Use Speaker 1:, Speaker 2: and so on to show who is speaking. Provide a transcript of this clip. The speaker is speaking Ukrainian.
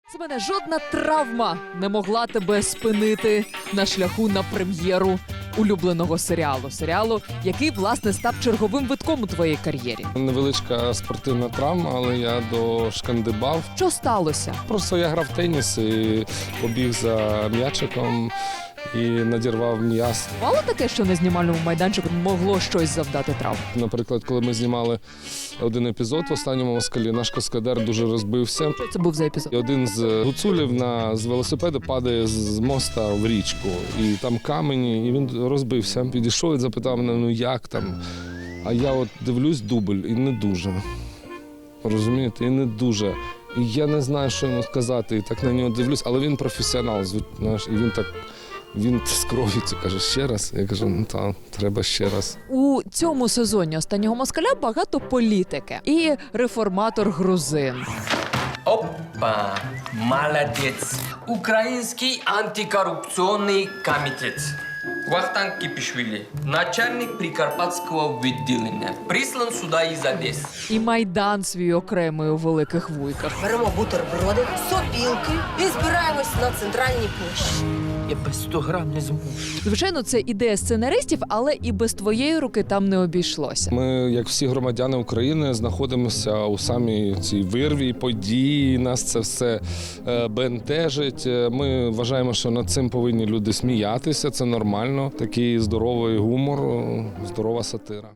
Speaker 1: Семене, жодна травма не могла тебе спинити на шляху на прем'єру улюбленого серіалу, який, власне, став черговим витком у твоїй кар'єрі.
Speaker 2: Невеличка спортивна травма, але я дошкандибав.
Speaker 1: Що сталося?
Speaker 2: Просто я грав в теніс і побіг за м'ячиком і надірвав м'яз.
Speaker 1: Мало таке, що на знімальному майданчику могло щось завдати травм?
Speaker 2: Наприклад, коли ми знімали один епізод в «Останньому москалі», наш каскадер дуже розбився.
Speaker 1: Що це був за епізод?
Speaker 2: І один з гуцулів з велосипеда падає з моста в річку. І там камені, і він розбився. Підійшов і запитав мене, ну як там? А я от дивлюсь дубль і не дуже. Розумієте? І не дуже. І я не знаю, що йому сказати. І так на нього дивлюсь, але він професіонал, знаєш, і він з кров'ю каже, ще раз. Я кажу, ну так, треба ще раз.
Speaker 1: У цьому сезоні «Останнього москаля» багато політики і реформатор-грузин.
Speaker 3: Опа, молодец. Украинский антикоррупционный комитет. Вахтанг Кипишвили, начальник Прикарпатского відділення, прислан сюда из Одессы.
Speaker 1: І Майдан свій окремий у Великих Вуйках.
Speaker 4: Беремо бутерброди, сопілки і збираємось на центральній площі.
Speaker 3: Я без 100 грам не зможу.
Speaker 1: Звичайно, це ідея сценаристів, але і без твоєї руки там не обійшлося.
Speaker 2: Ми, як всі громадяни України, знаходимося у самій цій вирві події. Нас це все бентежить. Ми вважаємо, що над цим повинні люди сміятися. Це нормально. Такий здоровий гумор, здорова сатира.